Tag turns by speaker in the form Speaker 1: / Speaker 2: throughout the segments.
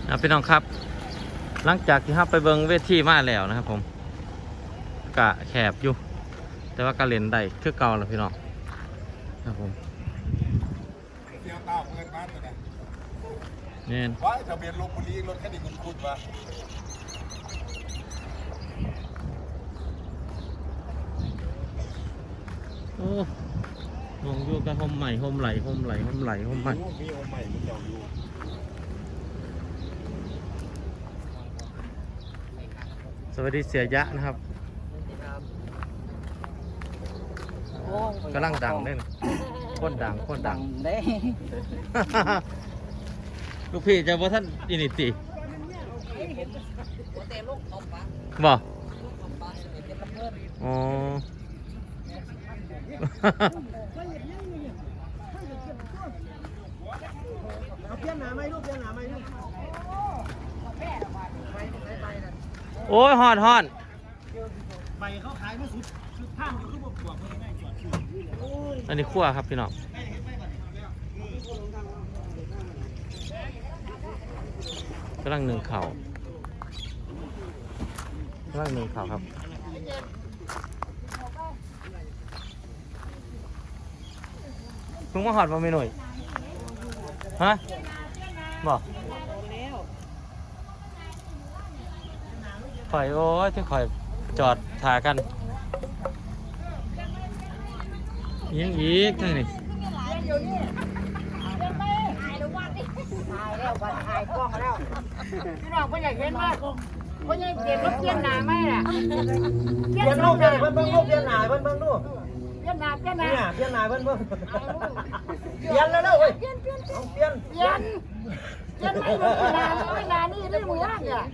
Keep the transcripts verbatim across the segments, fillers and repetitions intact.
Speaker 1: นะพี่น้องครับหลังจากที่เราไปเบิ่งเวทีมาแล้วนะครับผมกะแคบอยู่แต่ว่าก็เล่นได้คือเก่าแล้วพี่น้องครับผม
Speaker 2: เที่ยวเต้าเงินบ้านตัวเนี่ย
Speaker 1: เนี่ย
Speaker 2: ว่าทะเบียนลพบุรีรถแค่นี้คุณคุณวะ
Speaker 1: โอ้มองอยู่กับโฮมใหม่โฮมไหลโฮมไหลโฮมไหลโฮมใหม่
Speaker 2: มีโอใหม่มีเจ้าอยู่
Speaker 1: สวัสดีเสียยะนะครับกำลังดังเลยนะโคตรดังโคตรดัง
Speaker 3: เด้
Speaker 1: ลูกพี่จะว่าท่านอินิติบอกอ๋อ
Speaker 3: เอาเพี้ยนหนาไหมลูกเพี้ยนหนาไหมลูก
Speaker 1: โอ้ยฮอนฮอน
Speaker 3: ใบเขาขายมาสุดสุดท่ามอยู่คือบอกบอกง่ายๆจอดอยู่
Speaker 1: อันนี้ขั้วครับพี่น้องกำลังหนึ่งเข่ากำลังหนึ่งเข่าครับเพิ่งมาหอดมาไม่หน่อยฮะบอกข่อยโอ้ยที่ข่อยจอดถ่ากันยังอีกทั้งนี้
Speaker 3: ถ่ายแล้ววันถ่ายกล้องแล้วพี่น้องก็อยากเห็นว่าก็ยังเก็บรถเพี้ยนหนาไหมล่ะเพี้ยนลูกเลยเพิ่นเพิ่งลูกเพี้ยนหนาเพิ่นเพิ่งลูกเพี้ยนหนาเพี้ยนหนาเนี่ยเพี้ยนหนาเพิ่นเพิ่งเพี้ยนแล้วเด้อเว้ยเพี้ยนเพี้ยนเพี้ยนเพี้ยนเพี้ยนไม่ลูกหนาไม่หนานี่ได้หมู่บ้านเนี่ย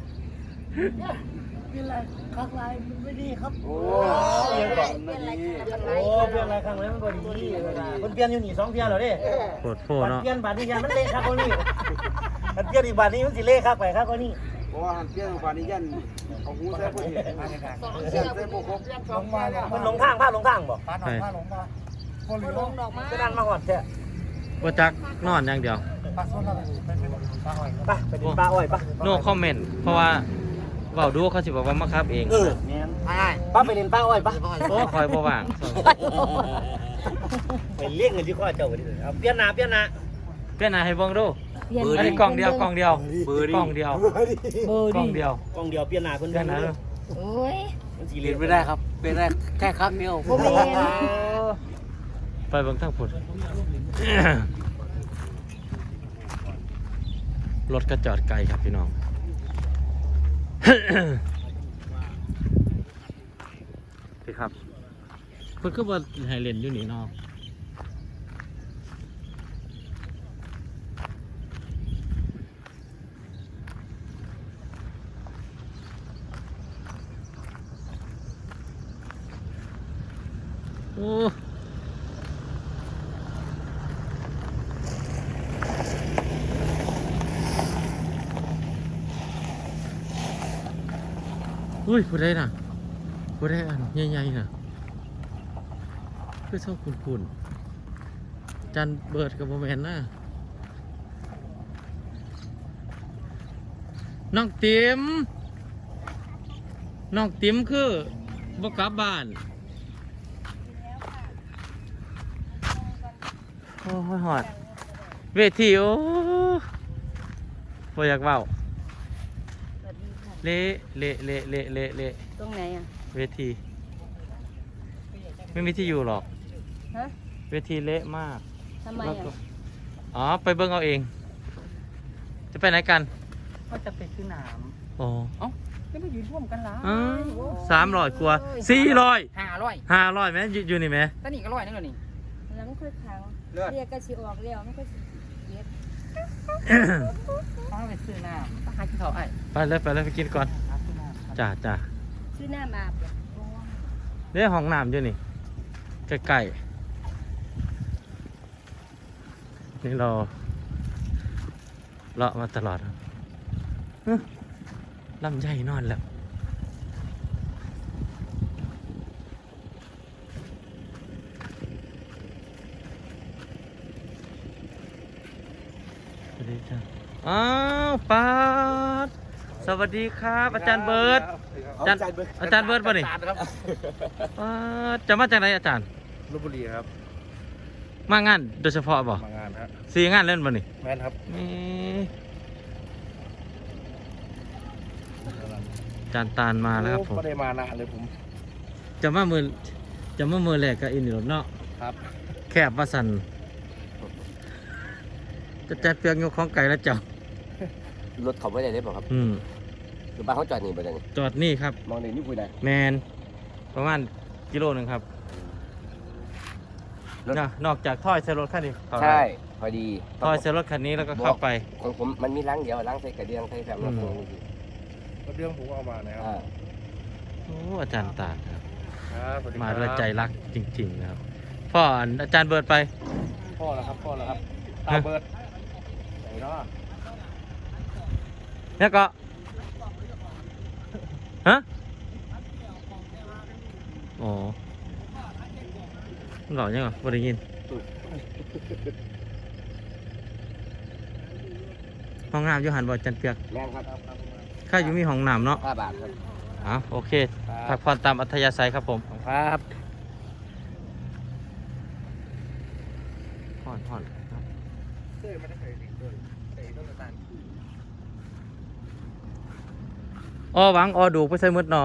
Speaker 3: เป็นไรข้างไรมันไม่ดีครับโอ้เปลี่ยนอะไรโอ้เปลี่ยนอะไรข้างไรมันก็ดีมันเปลี่ยนอยู่นี่สองเพี้ยนเหรอเด้
Speaker 1: โคตรโฟเนาะ
Speaker 3: เปลี่ยนบาทนี้ยันมันเละครับคนนี้มันเปลี่ยนอีกบาทนี้มันสิเละครับไปครับคนนี้
Speaker 2: เพราะว่าหันเที่ยวบานี้ยันเอาหูใส่ผู้เห็นเสียงใส่ผู้คบลงมา
Speaker 3: มันลงทางพลาดลงทางบ่
Speaker 2: พาหนองพาลงมาคนหรือลงดอกมา
Speaker 3: จะนั่นมาหอดแท้
Speaker 1: ว่าจักนอนอย่างเดียว
Speaker 2: ปลาส้นอะไรไปเป็นปลาหอย
Speaker 3: ไปไปดินปลาอ้อยปะ
Speaker 1: โน้คอมเมนต์เพราะว่าเบาดูเขาสิบอกว่ามาครับเอง
Speaker 3: เออแม่นป้าไปดินปลาอ้อยปะ
Speaker 1: โอ้คอยบ่ว่าง
Speaker 3: ไปเลี้ยงเงินที่ข้อเจ้าไปดิเอาเปลี่ยนหน้าเปลี่ยนหน้า
Speaker 1: เปลี่ยนหน้าให้เบิ่งดูอันนี้กล่องเดียวกล่องเดียวกล่องเดียวกล่องเดียว
Speaker 3: กล่องเดียวเปลี่ยนหน้าเพิ่น
Speaker 1: เปลี่ยนหน้าเลย
Speaker 4: โอ้ย
Speaker 3: มันสิเล่นไม่ได้ครับเป็นได้แค่ครั้งเดียว
Speaker 4: บ่แม่น
Speaker 1: ไปเบิ่งทางพุ่นรถก็จอดไกลครับพี่น้องพี่ครับเพิ่นก็บ่ให้เล่นอยู่นี่เนาะโอ้อุ้ยผู้ใดน่ะผู้ใดอันใหญ่ๆน่ะคือชอบคุ้นๆจันเบิดกับโมแมนน่ะน้องติ๋มน้องติ๋มคือบ่กลับบ้านโอ้ยหอดเวทีโอ้บ่อยากเว้าเละเละเละเละเละเละ
Speaker 4: ตรงไหนอ่ะ
Speaker 1: เวทีไม่มีที่อยู่หรอก
Speaker 4: ฮะ
Speaker 1: เวทีเละมาก
Speaker 4: ทำไมอ่ะ
Speaker 1: อ๋อไปเบิ่งเอาเองจะไปไหนกัน
Speaker 3: ก็จะไปซื้อน้ำ
Speaker 1: อ๋อ
Speaker 3: เอ้าไม่ไปยืนร่วมกันละ
Speaker 1: สามร้อยกว่าสี่ร้อย
Speaker 3: ห้าร้อย
Speaker 1: ห้าร้อยไหมอยู่นี่ไหม
Speaker 3: ตอนนี้ก็ร้อยนึงแล้วนี่
Speaker 4: แล้วมันค่อยค้างเรียกกระชิออกเรียวมันก็สิเย็ด
Speaker 3: ต้องไปซื้อน้ำต้องหาที่เขาไอ้
Speaker 1: ไปเลยไปเลยไปกินก่อนจ้าจ้า
Speaker 4: ซื้อน้ำอาบ
Speaker 1: เนี่ยห้องน้ำอยู่นี่ใกล้ๆนี่เราเลาะมาตลอดลำไยนอนแล้วสวัสดีจ้าอ้าวปาดสวัสดีครับอาจารย์เบิร์ดอาจารย์อาจารย์เบิร์ดป่ะนี่ปาดจะมาจากไหนอาจารย์
Speaker 2: ลพบุรีครับ
Speaker 1: มางานโดยเฉพาะบ่
Speaker 2: มางานฮะ
Speaker 1: สี่งานเล่นป่ะนี่
Speaker 2: แม่นครับ
Speaker 1: นี่อาจารย์ตาลมาแล้วครับผม
Speaker 2: ไม่ได้มานานเลยผม
Speaker 1: จะมามือจะมามือแรกกับอินนี่หรอเนาะ
Speaker 2: ครับ
Speaker 1: แคบว่าสันจะจัดเปียกยกของไก่แล้วเจ้าร
Speaker 3: ถเขาไม่ได้เลยป่ะครับ
Speaker 1: อืม
Speaker 3: คือบ้านเขาจอดนี่ไปเลย
Speaker 1: จอดนี่ครับ
Speaker 3: มองในนี่คุยได้
Speaker 1: แมนประมาณกิโลหนึ่งครับนะนอกจากถ้อยใส่รถคันนี้เข้าได้
Speaker 3: ใช่พอดี
Speaker 1: ถ้อยใส่รถคันนี้แล้วก็เข้าไป
Speaker 3: ของผมมันมีล้างเดียวล้างใส่กระเดียงใส่แฟมแล้วผม
Speaker 2: ก็เรื่องผมเอามานะครับ
Speaker 3: อ่า
Speaker 1: โอ้อาจารย์ตาลครับ
Speaker 2: ครับสวัสครับ
Speaker 1: มาด้วยใจรักจริงๆนะครับพ่ออาจารย์เบิร์ดไป
Speaker 2: พ่อแล้วครับพ่อแล้วครับตาเบิร์ดไหนเนาะ
Speaker 1: แล้วก็ฮะอ๋อหล่อยังไงบ่ได้ยินห้องน้ำอยู่หันบ่จันเปียก
Speaker 3: แม่นครับ
Speaker 1: ข้าอยู่มีห้องน้ำเนาะ
Speaker 3: ห้าบาทครับ
Speaker 1: อ๋อโอเคพักผ่อนตามอัธยาศัยครับผม
Speaker 2: ครับ
Speaker 1: ผ่อนผ่อนครับ
Speaker 2: เต้ยไม่ได้เคยเต้ยเต้ยต้นตาล
Speaker 1: อ้อหวังอ้อดูไปใส่มืดเนาะ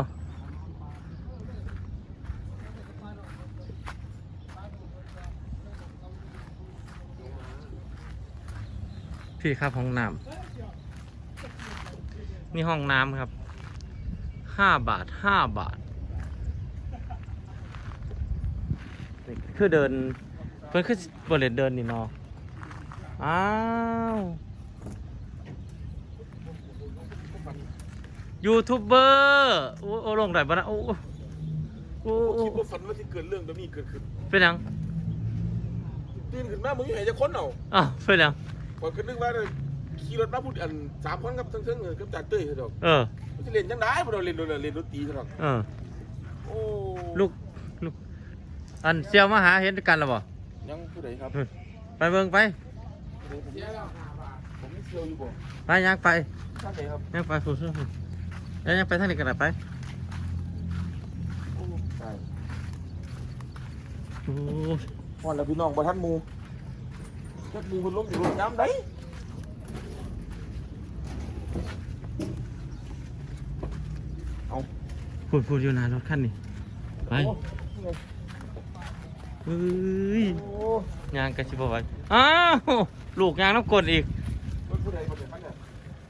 Speaker 1: พี่ครับห้องน้ำนี่ห้องน้ำครับห้าบาทห้าบาทนี่คือเดินเพิ่นคือบริเวณเดินนี่เนาะอ้าวยูทูบเบอร์โอ้โอ้ลงได้ปะนะโอ้โอ้โอ้โอ้
Speaker 5: คิดว่าฝันว่าที่เกิดเรื่องแบบนี้เกิดขึ้น
Speaker 1: เป็นยัง
Speaker 5: ตื่นขึ้นมามึงยังไงจะค้นเอา
Speaker 1: อ้าวเป็นยัง
Speaker 5: ก่อนขึ้นนึกว่าขี่รถมาพูดอันสามคนกับทั้งเทั้งกับจ่าเต้ยเขาดอก
Speaker 1: เออ
Speaker 5: มันจะเล่นจังได้พอเราเล่นโดนเล่นดนตรีเขาดอก
Speaker 1: เออ
Speaker 5: โอ้
Speaker 1: ลูกลูกอันเซียวมาหาเห็นกันหรือเปล่า
Speaker 5: ยังผู้ใดครับ
Speaker 1: ไปเบิ่งไป
Speaker 5: ผมผมไม่เชียวอยู่บ่
Speaker 1: ไปยังไป
Speaker 5: ท่านไหนครับ
Speaker 1: ยังไปฟูซ่าแล้วยังไปทางนี้กันไป
Speaker 5: โอ้ตาย
Speaker 1: โอ้
Speaker 5: พ่อแล้วพี่น้องบ่ท่านหมูจักหมูคนล้มอยู่รถน้ำได้
Speaker 1: พูดพูดอยู่นานรถคันนี้ไปเฮ้ย
Speaker 5: โอ้
Speaker 1: ยางกระชิบเอาไว้อ้าวลูกยางน้ำกลอีก
Speaker 5: รถผู้ใดบ่ได้มันเนี่ย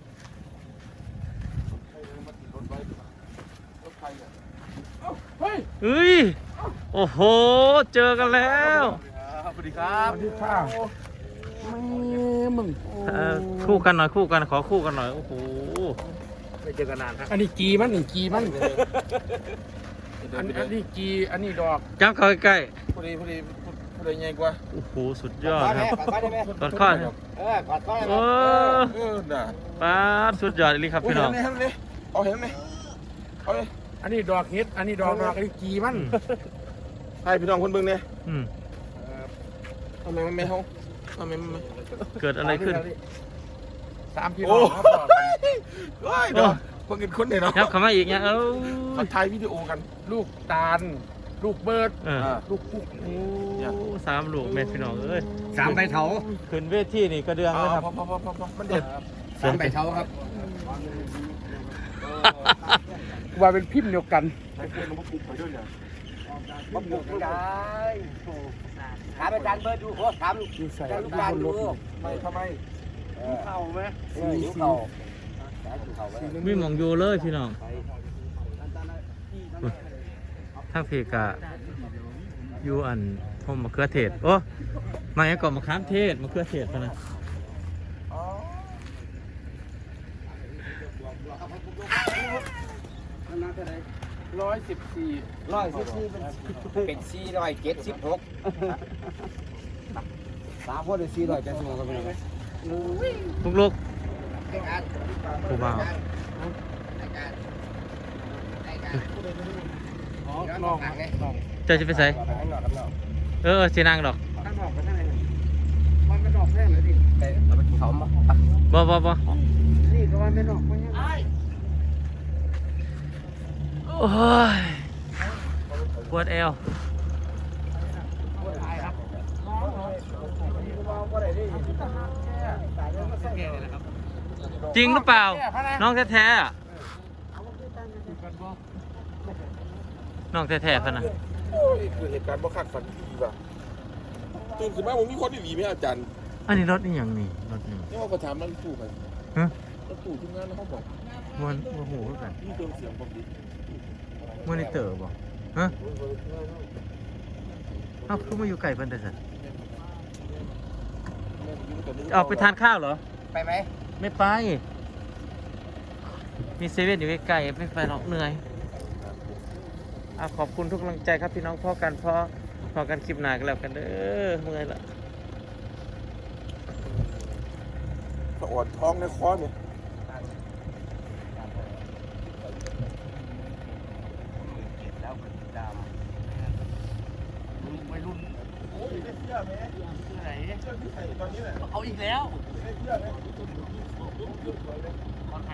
Speaker 5: ใครมาติดรถไว้รถใครเนี่ยเอ้าเฮ้ย
Speaker 1: เฮ้ยโอ้โหเจอกันแล้ว
Speaker 5: สวัสดีครับสวัสดีครับไม่มึง
Speaker 1: เอ่อคู่กันหน่อยคู่กันขอคู่กันหน่อยโอ้โห
Speaker 5: ไม่เจอกันนานครับ
Speaker 2: อันนี้กีมันนี่กีมันอันอันนี้กีอันนี้ดอก
Speaker 1: จับเข้าใกล้
Speaker 5: พอดีพอดีพอดีไงกว่า
Speaker 1: ๆโอ้โหสุดยอดครับ
Speaker 3: กอดข้อได้ไหม
Speaker 1: กอดข้อ
Speaker 3: เออกอดข้อได้ไหม
Speaker 1: โอ้
Speaker 5: เออน่ะ
Speaker 1: ป้าดสุดยอดเลยครับ
Speaker 5: โอ้ย
Speaker 1: พี่น้
Speaker 5: เห็
Speaker 1: อง
Speaker 5: นไหมเห็นไหมเอาเห็นไหมเอาเลย
Speaker 2: อันนี้ดอกเห็ดอันนี้ดอกดอกอันนี้กีมัน
Speaker 5: ให้พี่น้องคนเบิ่งเนี่ย
Speaker 1: อืม
Speaker 5: ทำไมมันไม่ห้องทำไมมันไม่
Speaker 1: เกิดอะไรขึ้น
Speaker 2: สามพี่น้
Speaker 5: โอ้
Speaker 2: องครับบอกกัน
Speaker 5: เฮ้ยเดี๋ยวเพิ่งเห็นคนเนี่ยเนาะ
Speaker 1: ยับเข้ามาอีกเนี่ยเอ้า
Speaker 5: มาถ่ายวิดีโอกัน
Speaker 2: ลูกตาล ลูกเบิร์ด
Speaker 1: เออ
Speaker 2: ลูกปุ๊ก
Speaker 1: โอ้สามลูกแม่พี่น้องเอ้ย
Speaker 3: สามใบเถา
Speaker 1: ขึ้นเวทีนี่กระเดือง
Speaker 5: เอา
Speaker 1: เลยครับ
Speaker 5: พอพอพอพอพอมันเด็ด
Speaker 3: สามใบเถาครับ
Speaker 2: ว่าเป็นพิมพ์เดียวกัน
Speaker 5: ใช้เพื่อนมาปลุกไปด้วยเนี่ย
Speaker 3: มาบุกไม่ได้ถามอาจารย์เบิร์ดดูโอ้ถาม
Speaker 2: อยู่ใส่
Speaker 3: อาจารย์ลูกการดู
Speaker 5: ไม่ทำไม
Speaker 3: เข่าไหมเออหิวเข่าเข่าไว้
Speaker 1: มีหมองอยู่เลยพี่น้องทางเพกะอยู่อันพมมะเขือเทศโอ้มาอย่างก่อนมะขามเทศมะเขือเทศเท่านั้น
Speaker 5: อ๋อ
Speaker 2: ร้อยสิบสี่
Speaker 3: ร้อยสิบสี่เป็นสี่ร้อยเจ็ดสิบหกสามคนเป็นสี่ร้อยเจ็ดสิบหกครับพี่น้อง
Speaker 1: ลูกลูกผู้บ่าว
Speaker 2: น้องน้อง
Speaker 1: เจ้าจะไปใส่เออเออสีนางดอก
Speaker 2: ข้างนอกไปทางไหนมันก็ดอกอกแน่เลยดิ
Speaker 3: เราไปกินเขามา
Speaker 1: บ่บ่บ่
Speaker 2: นี่ก็ว่าไม่นอกเพราะยัง
Speaker 1: โอ้ยปวดเอวจริงหรือเปล่า น้องแท้ๆอะน้องแท้ๆพะนะ
Speaker 5: โอ้ยคือเหตุการณ์บ่คาดฝันดีว่ะตื่นขึ้นมาผมมีคนดีๆไหมอาจารย์
Speaker 1: อันนี้รถนี่ยังนี่รถนี่
Speaker 5: นี่ว่าก็ถามนั่นตู้ไป
Speaker 1: ฮะ
Speaker 5: แล้วตู้ที่งานแล้วเขาบอก
Speaker 1: มันโอ้โหกัน
Speaker 5: นี่เติมเสียงผมดิ
Speaker 1: มอนิเตอร์บ่ฮะเอ้าคือมาอยู่ไกลเพิ่นแต่สันออกไปทานข้าวเหรอ
Speaker 3: ไปไหม
Speaker 1: ไม่ไป มีเซเว่นอยู่ใกล้ๆไม่ไปหรอกเหนื่อยอ่ะขอบคุณทุกกำลังใจครับพี่น้องพ่อกันพ่อพอกันคลิปหน้ากันแล้วกันเด้อเมื่อยละ
Speaker 5: สะอดท้องในคอเนี่ย
Speaker 1: เอาอีกแล้ว